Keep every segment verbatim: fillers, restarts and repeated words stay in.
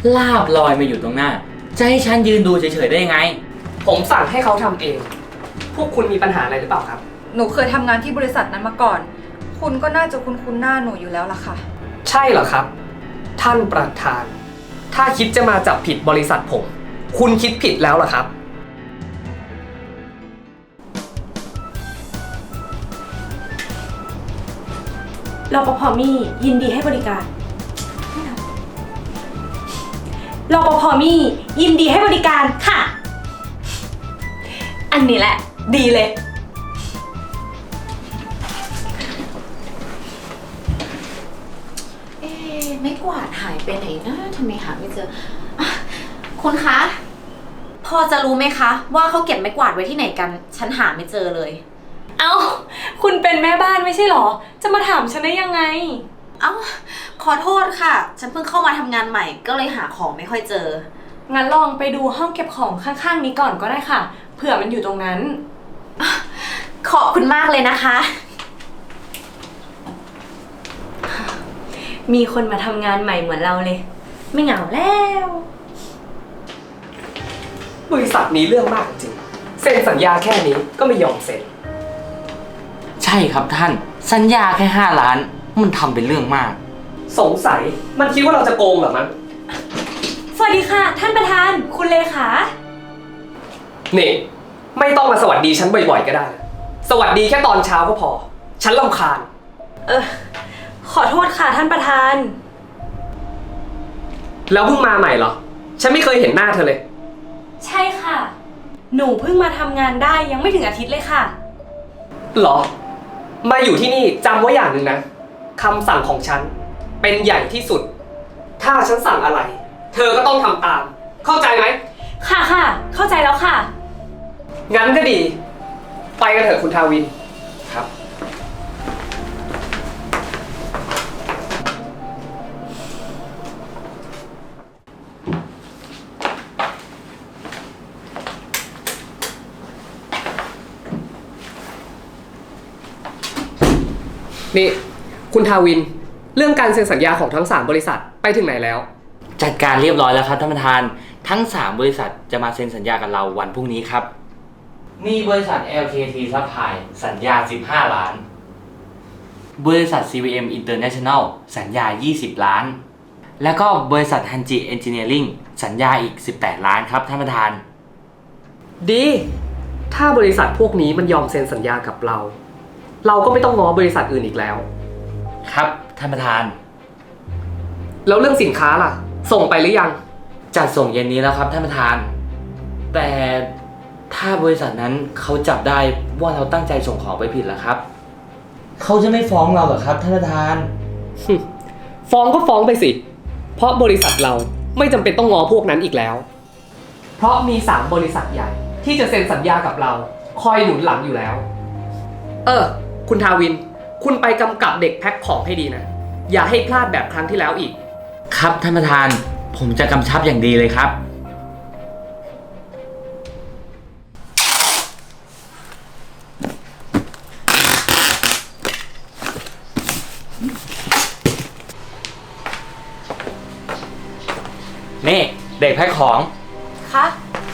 ลาบลอยมาอยู่ตรงหน้าจะให้ฉันยืนดูเฉยๆได้ยังไงผมสั่งให้เขาทำเองพวกคุณมีปัญหาอะไรหรือเปล่าครับหนูเคยทำงานที่บริษัทนั้นมาก่อนคุณก็น่าจะคุ้นคุ้นหน้าหนูอยู่แล้วล่ะค่ะใช่เหรอครับท่านประธานถ้าคิดจะมาจับผิดบริษัทผมคุณคิดผิดแล้วเหรอครับรปภ.มี่ยินดีให้บริการรปภ.มี่ยินดีให้บริการค่ะอันนี้แหละดีเลยเอ๊ะไม่กวาดหายไปไหนนะทำไมหาไม่เจออ่ะคุณคะพอจะรู้ไหมคะว่าเขาเก็บไม้กวาดไว้ที่ไหนกันฉันหาไม่เจอเลยเอ้าคุณเป็นแม่บ้านไม่ใช่หรอจะมาถามฉันได้ยังไงเอ้าขอโทษค่ะฉันเพิ่งเข้ามาทำงานใหม่ก็เลยหาของไม่ค่อยเจองั้นลองไปดูห้องเก็บของข้างๆนี้ก่อนก็ได้ค่ะเผื่อมันอยู่ตรงนั้นขอบคุณมากเลยนะคะมีคนมาทำงานใหม่เหมือนเราเลยไม่เหงาแล้วบริษัทนี้เรื่องมากจริงเซ็นสัญญาแค่นี้ก็ไม่ยอมเซ็นใช่ครับท่านสัญญาแค่ห้าล้านมันทำเป็นเรื่องมากสงสัยมันคิดว่าเราจะโกงเหรอมั้งสวัสดีค่ะท่านประธานคุณเลขานี่ไม่ต้องมาสวัสดีฉันบ่อยๆก็ได้สวัสดีแค่ตอนเช้าก็พอฉันรำคาญเออขอโทษค่ะท่านประธานแล้วเพิ่งมาใหม่เหรอฉันไม่เคยเห็นหน้าเธอเลยใช่ค่ะหนูเพิ่งมาทำงานได้ยังไม่ถึงอาทิตย์เลยค่ะหรอมาอยู่ที่นี่จำไว้อย่างหนึ่งนะคำสั่งของฉันเป็นใหญ่ที่สุดถ้าฉันสั่งอะไรเธอก็ต้องทำตามเข้าใจไหมค่ะค่ะเข้าใจแล้วค่ะงั้นก็ดีไปกันเถอะคุณทาวินครับนี่คุณทาวินเรื่องการเซ็นสัญญาของทั้งสามบริษัทไปถึงไหนแล้วจัดการเรียบร้อยแล้วครับท่านประธานทั้งสามบริษัทจะมาเซ็นสัญญากับเราวันพรุ่งนี้ครับมีบริษัท แอล เค ที Supply สัญญาสิบห้าล้านบริษัท ซี วี เอ็ม International สัญญายี่สิบล้านแล้วก็บริษัท Hanji Engineering สัญญาอีกสิบแปดล้านครับท่านประธานดีถ้าบริษัทพวกนี้มันยอมเซ็นสัญญากับเราเราก็ไม่ต้องง้อบริษัทอื่นอีกแล้วครับท่านประธานแล้วเรื่องสินค้าล่ะส่งไปหรือยังจัดส่งเย็นนี้แล้วครับท่านประธานแต่ถ้าบริษัทนั้นเขาจับได้ว่าเราตั้งใจส่งของไปผิดล่ะครับเขาจะไม่ฟ้องเราเหรอครับท่านประธานฟ้องก็ฟ้องไปสิเพราะบริษัทเราไม่จำเป็นต้องง้อพวกนั้นอีกแล้วเพราะมีสามบริษัทใหญ่ที่จะเซ็นสัญญากับเราคอยหนุนหลังอยู่แล้วเออคุณทาวินคุณไปกำกับเด็กแพ็คของให้ดีนะอย่าให้พลาดแบบครั้งที่แล้วอีกครับท่านประธานผมจะกำชับอย่างดีเลยครับนี่เด็กแพ็คของคะ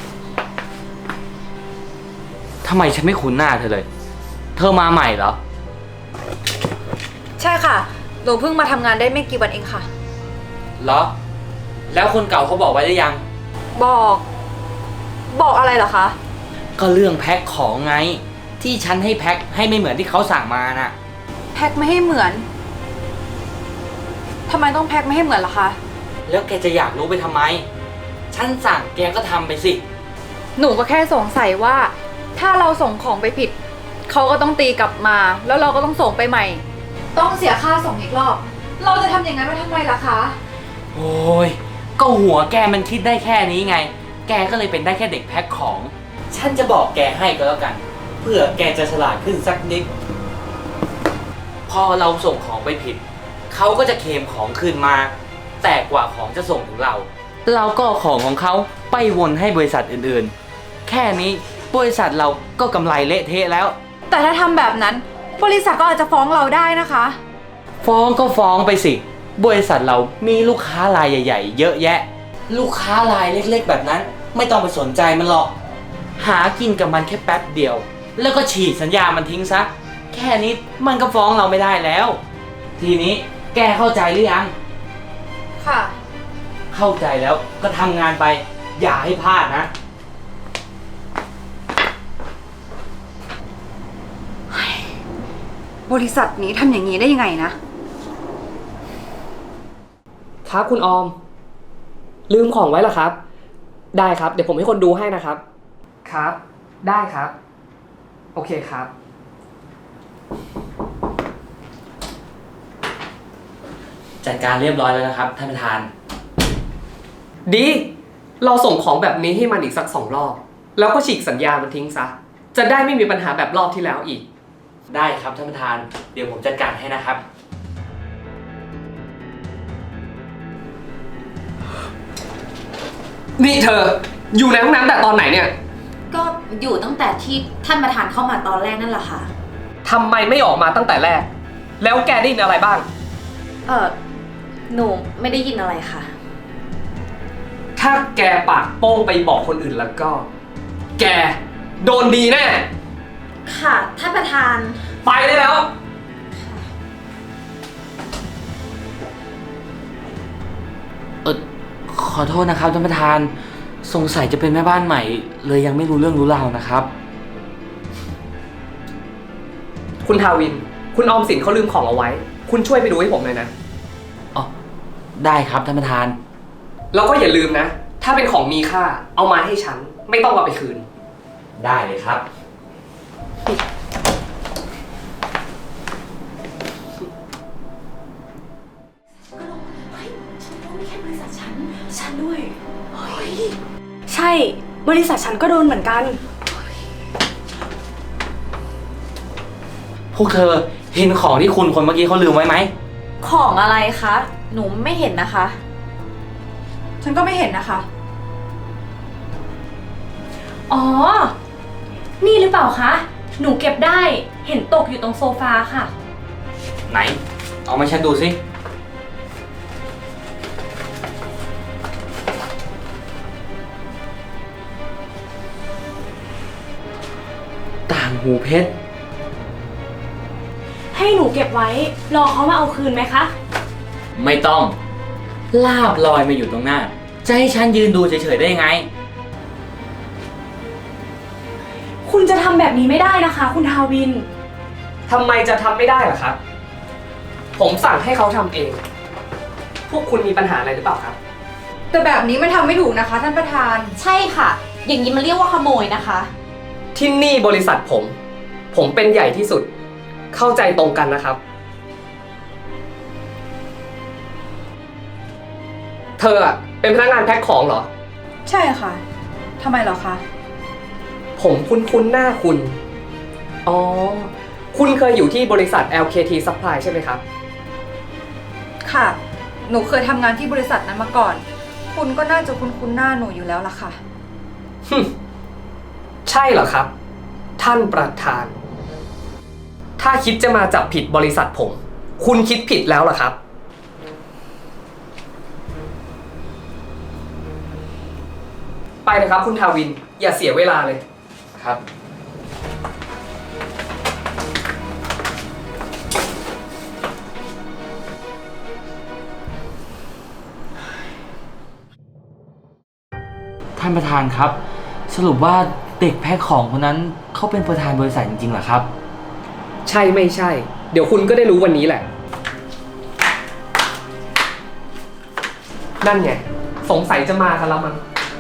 ทำไมฉันไม่คุ้นหน้าเธอเลยเธอมาใหม่เหรอใช่ค่ะหนูเพิ่งมาทำงานได้ไม่กี่วันเองค่ะเหรอแล้วคนเก่าเขาบอกไว้หรือยังบอกบอกอะไรเหรอคะก็เรื่องแพ็คของไงที่ฉันให้แพ็คให้ไม่เหมือนที่เขาสั่งมาน่ะแพ็คไม่ให้เหมือนทำไมต้องแพ็คไม่ให้เหมือนล่ะคะแล้วแกจะอยากรู้ไปทำไมฉันสั่งแกก็ทำไปสิหนูก็แค่สงสัยว่าถ้าเราส่งของไปผิดเขาก็ต้องตีกลับมาแล้วเราก็ต้องส่งไปใหม่ต้องเสียค่าส่งอีกรอบเราจะทำอย่างนั้นไปทำไมล่ะคะโอ้ยก็หัวแกมันคิดได้แค่นี้ไงแกก็เลยเป็นได้แค่เด็กแพ็คของฉันจะบอกแกให้ก็แล้วกันเพื่อแกจะฉลาดขึ้นสักนิดพอเราส่งของไปผิดเขาก็จะเคลมของคืนมาแต่กว่าของจะส่งถึงเราเราก็ของของเขาไปวนให้บริษัทอื่นๆแค่นี้บริษัทเราก็กำไรเละเทะแล้วแต่ถ้าทำแบบนั้นบริษัทก็อาจจะฟ้องเราได้นะคะฟ้องก็ฟ้องไปสิบริษัทเรามีลูกค้ารายใหญ่ๆเยอะแยะลูกค้ารายเล็กๆแบบนั้น ไม่ต้องไปสนใจมันหรอก หากินกับมันแค่แป๊บเดียว แล้วก็ฉีกสัญญามันทิ้งซะ แค่นี้มันก็ฟ้องเราไม่ได้แล้ว ทีนี้แกเข้าใจหรือยังค่ะเข้าใจแล้วก็ทำงานไป อย่าให้พลาดนะบริษัทนี้ทำอย่างนี้ได้ยังไงนะครับคุณออม ลืมของไว้เหรอครับ ได้ครับ เดี๋ยวผมให้คนดูให้นะครับ ครับ ได้ครับ โอเคครับจัดการเรียบร้อยแล้วนะครับท่านประธานดี เราส่งของแบบนี้ให้มันอีกสักสองรอบ แล้วก็ฉีกสัญญามันทิ้งซะ จะได้ไม่มีปัญหาแบบรอบที่แล้วอีกได้ครับท่านประธาน เดี๋ยวผมจัดการให้นะครับนี่เธอ อยู่ในห้องน้ำแต่ตอนไหนเนี่ยก็อยู่ตั้งแต่ที่ท่านประธานเข้ามาตอนแรกนั่นแหละค่ะทำไมไม่ออกมาตั้งแต่แรก แล้วแกได้ยินอะไรบ้างเออหนูไม่ได้ยินอะไรค่ะถ้าแกปากโป้งไปบอกคนอื่นแล้วก็ แกโดนดีแน่ค่ะท่านประธานไปได้แล้วเออขอโทษนะครับท่านประธาน สงสัยจะเป็นแม่บ้านใหม่ เลยยังไม่รู้เรื่องรู้ราวนะครับคุณทาวิน คุณออมสินเขาลืมของเอาไว้ คุณช่วยไปดูให้ผมหน่อยนะอ๋อ ได้ครับท่านประธานแล้วก็อย่าลืมนะ ถ้าเป็นของมีค่า เอามาให้ฉัน ไม่ต้องเอาไปคืนได้เลยครับฉันด้วย ใช่ บริษัทฉันก็โดนเหมือนกันพวกเธอเห็นของที่คุณคนเมื่อกี้เขาลืมไว้ไหมของอะไรคะ หนูไม่เห็นนะคะฉันก็ไม่เห็นนะคะอ๋อ นี่หรือเปล่าคะ หนูเก็บได้ เห็นตกอยู่ตรงโซฟาค่ะไหน เอามาฉันดูสิ ต่างหูเพชรให้หนูเก็บไว้ รอเขามาเอาคืนไหมคะไม่ต้อง ลาบลอยมาอยู่ตรงหน้า จะให้ฉันยืนดูเฉยๆได้ยังไงคุณจะทำแบบนี้ไม่ได้นะคะ คุณทาวินทำไมจะทำไม่ได้ล่ะครับ ผมสั่งให้เขาทำเอง พวกคุณมีปัญหาอะไรหรือเปล่าครับแต่แบบนี้มันทำไม่ถูกนะคะ ท่านประธานใช่ค่ะ อย่างนี้มันเรียกว่าขโมยนะคะที่นี่บริษัทผม ผมเป็นใหญ่ที่สุด เข้าใจตรงกันนะครับ เธออะเป็นพนักงานแพ็คของเหรอใช่ค่ะ ทำไมเหรอคะผมคุ้นๆหน้าคุณ อ๋อ คุณเคยอยู่ที่บริษัท แอล เค ที Supply ใช่ไหมครับค่ะ หนูเคยทำงานที่บริษัทนั้นมาก่อน คุณก็น่าจะคุ้นๆหน้าหนูอยู่แล้วล่ะค่ะฮึ่มใช่เหรอครับ ท่านประธาน ถ้าคิดจะมาจับผิดบริษัทผม คุณคิดผิดแล้วเหรอครับ ไปเลยครับคุณทาวิน อย่าเสียเวลาเลยครับ ท่านประธานครับ สรุปว่าเด็กแพ็คของคนนั้นเขาเป็นประธานบริษัทจริงๆเหรอครับใช่ไม่ใช่ เดี๋ยวคุณก็ได้รู้วันนี้แหละ นั่นไง สงสัยจะมากันแล้วมั้ง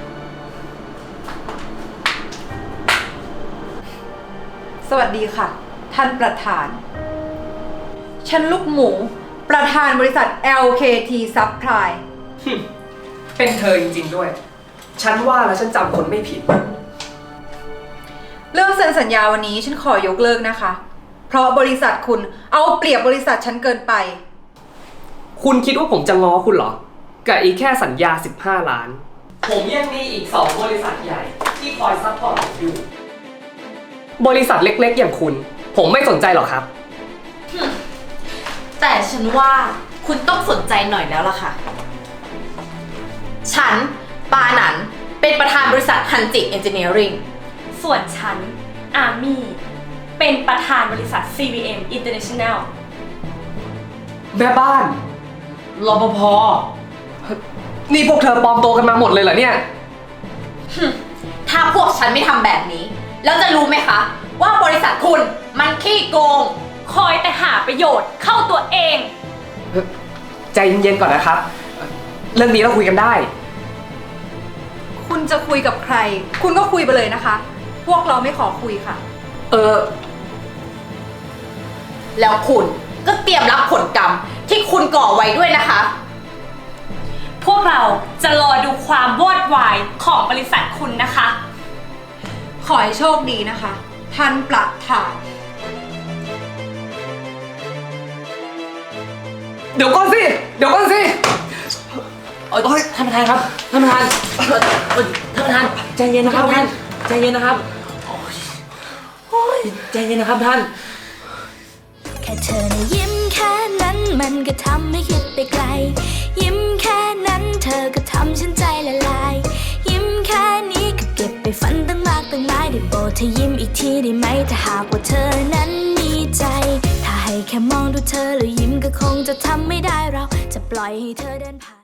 สวัสดีค่ะ ท่านประธาน ฉันลูกหมู ประธานบริษัท แอล เค ที Supply เป็นเธอจริงๆด้วย ฉันว่าแล้วฉันจำคนไม่ผิดเรื่องเซ็นสัญญาวันนี้ฉันขอยกเลิกนะคะ เพราะบริษัทคุณเอาเปรียบบริษัทฉันเกินไปคุณคิดว่าผมจะง้อคุณเหรอ กับอีกแค่สัญญา สิบห้า ล้าน ผมยังมีอีกสองบริษัทใหญ่ที่คอยซัพพอร์ตผมอยู่ บริษัทเล็กๆอย่างคุณ ผมไม่สนใจหรอกครับแต่ฉันว่าคุณต้องสนใจหน่อยแล้วล่ะค่ะ ฉันปาหนันเป็นประธานบริษัทฮันจิเอนจิเนียริงส่วนฉัน อามี่ เป็นประธานบริษัท ซี วี เอ็ม International แม่บ้านรปภนี่พวกเธอปลอมตัวกันมาหมดเลยเหรอเนี่ยถ้าพวกฉันไม่ทำแบบนี้ แล้วจะรู้ไหมคะ ว่าบริษัทคุณมันขี้โกงคอยแต่หาประโยชน์เข้าตัวเองใจเย็นๆก่อนนะครับ เรื่องนี้เราคุยกันได้คุณจะคุยกับใคร คุณก็คุยไปเลยนะคะ พวกเราไม่ขอคุยค่ะเออแล้วคุณก็เตรียมรับผลกรรมที่คุณก่อไว้ด้วยนะคะพวกเราจะรอดูความวอดวายของบริษัทคุณนะคะขอให้โชคดีนะคะ ท่านประธานเดี๋ยวก่อนสิ เดี๋ยวก่อนสิเอ้ยท่านประธานครับ ท่านประธานเอ่อเอ่อท่านประธานใจเย็นนะครับท่านใจเย็นนะครับโอ้ยโอ้ยใจเย็นนะครับท่านแค่เธอนะยิ้มแค่นั้นมันก็ทำให้คิดไปไกล ยิ้มแค่นั้นเธอก็ทำฉันใจละลาย ยิ้มแค่นี้ก็เก็บไปฝันตั้งมากตั้งหลายได้โปรดเธอยิ้มอีกทีได้ไหมถ้าหากว่าเธอนั้นมีใจ ถ้าให้แค่มองดูเธอแล้วยิ้มก็คงจะทำไม่ได้เราจะปล่อยให้เธอเดินผ่าน